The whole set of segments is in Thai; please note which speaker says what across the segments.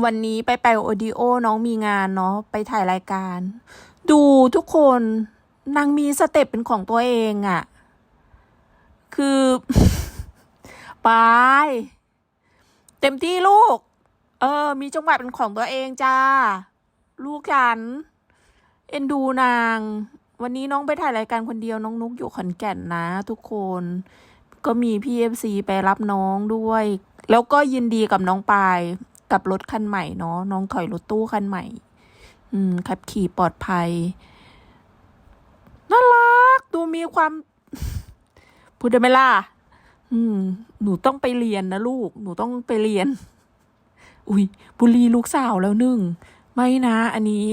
Speaker 1: วันนี้ไปโอดิโอน้องมีงานเนาะไปถ่ายรายการ ดูทุกคนนางมีสเต็ปเป็นของตัวเองอะคือ ไป เต็มที่ลูก มีจังหวะเป็นของตัวเองจ้า ลูกฉัน เอ็นดูนาง วันนี้น้องไปถ่ายรายการคนเดียวน้องนุกอยู่ขอนแก่นนะทุกคน ก็มีพี่FCไปรับน้องด้วย แล้วก็ยินดีกับน้องปายกับรถคันใหม่เนาะน้องถอยรถตู้คันใหม่ ขับขี่ปลอดภัย น่ารัก ดูมีความ พูดได้ไหมล่ะ หนูต้องไปเรียนนะลูก หนูต้องไปเรียน อุ้ยบุรีลูกสาวแล้วหนึ่ง ไม่นะ อันนี้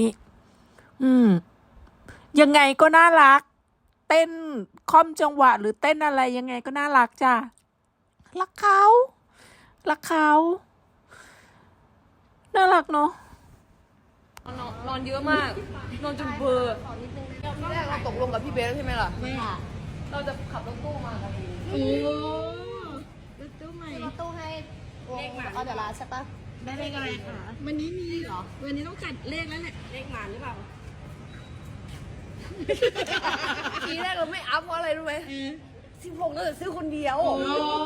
Speaker 1: ยังไงก็น่ารัก เต้นค่อมจังหวะหรือเต้นอะไรยังไงก็น่ารักจ้ะ รักเขา รักเขา น่ารักเนาะ
Speaker 2: นอนเยอะมาก นอนจนเบลอที่แรกเราตกลงกับพี่เบสแล้วใช่ไหมล่ะไม่ค่ะเราจะขับรถตู้มากันเอง
Speaker 3: รถตู้ใหม่
Speaker 4: รถตู้ให้เลขหมาเดี๋ยวร้านใช่ปะ
Speaker 3: ได้เลขอะไรคะวันนี้มีเหรอ วันนี้ต้องจัดเลขแล้วแหละ
Speaker 2: เลขหมาหรือเปล่า ทีแรกเราไม่อัพเพราะอะไรรู้ไหม16เราจะซื้อคนเดียว
Speaker 4: แต่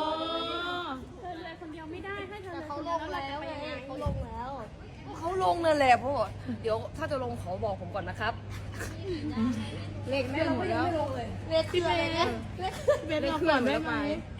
Speaker 4: เขาลงแล้วไงเขาลงแล้ว
Speaker 2: เขาลงนั่นแหละเพราะว่าเดี๋ยวถ้าจะลงขอบอกผมก่อนนะครับ
Speaker 4: เลขไม่หมดแล้วเลขคืออะไรเนี่ยเลข
Speaker 3: เบนเราก่อนได้ไหม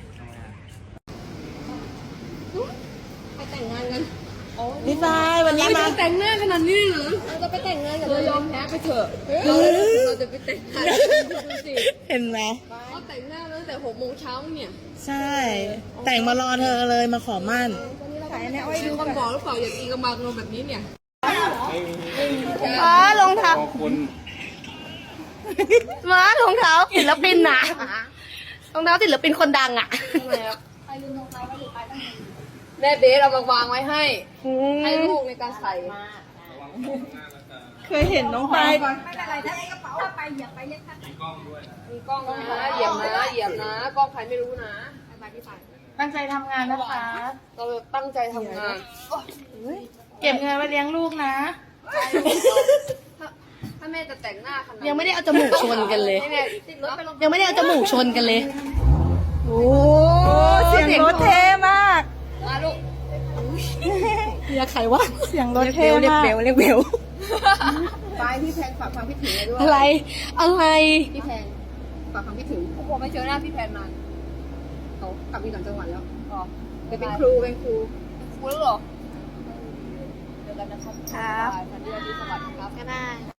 Speaker 4: ไปแต่งงานกัน
Speaker 3: พี่ฟายวันนี้มา
Speaker 2: แต่งหน้าขนาดนี้เหรอ
Speaker 4: เราจะไปแต่งงานกัน
Speaker 2: เรายอมแพ้ไปเถอะเราจะไปแต่งงานดูสิ
Speaker 3: เห็นไหม
Speaker 2: เขาแต่งหน้าตั้งแต่6 โมงเช้าเนี่ย
Speaker 3: ใช่ แต่งมารอเธอเลยมาขอมั่น
Speaker 2: มีคนบอกหรือเปล่าอย่าตีกระบังลงแบบนี้เนี่ย
Speaker 4: รองเท้าม้ารองเท้าศิลปินน่ะรองเท้าศิลปินคนดังอ่ะ
Speaker 2: แม่เบสเอามาวางไว้ให้ลูกในการใส่
Speaker 3: เคยเห็นน้องปาย
Speaker 2: มีกล้องนะเหยียบนะเหยียบนะกล้องใครไม่รู้นะ
Speaker 3: ตั้งใจทำงานนะคะ
Speaker 2: เราตั้งใจทำงาน
Speaker 3: เก็บเงินไว้เลี้ยงลูกนะ
Speaker 2: ถ้าแม่จะแต่งหน้าขนาด
Speaker 4: ยังไม่ได้เอาจมูกชนกันเลย
Speaker 2: ให้แม่ติดรถไปลง
Speaker 4: ยังไม่ได้เอาจมูกชนกันเลย
Speaker 3: โอ้เสียงรถเท่มาก
Speaker 2: มาลูก
Speaker 4: เมียใครวะ
Speaker 3: เสียงรถเท่มาก
Speaker 4: เรียกเบล
Speaker 2: ไปพี่แพนฝากความคิดถึงเลยด้วย
Speaker 4: อะไร อะไร
Speaker 2: พี่แพนฝากความคิดถึงผมไม่เจอหน้าพี่แพนนานเขากลับมีต่างจังหวัดแล้วอ๋อเป็นครูแล้วเหรอเจอกันนะครับ
Speaker 4: ครับ
Speaker 2: สวัสดีครับ
Speaker 4: ก็ได้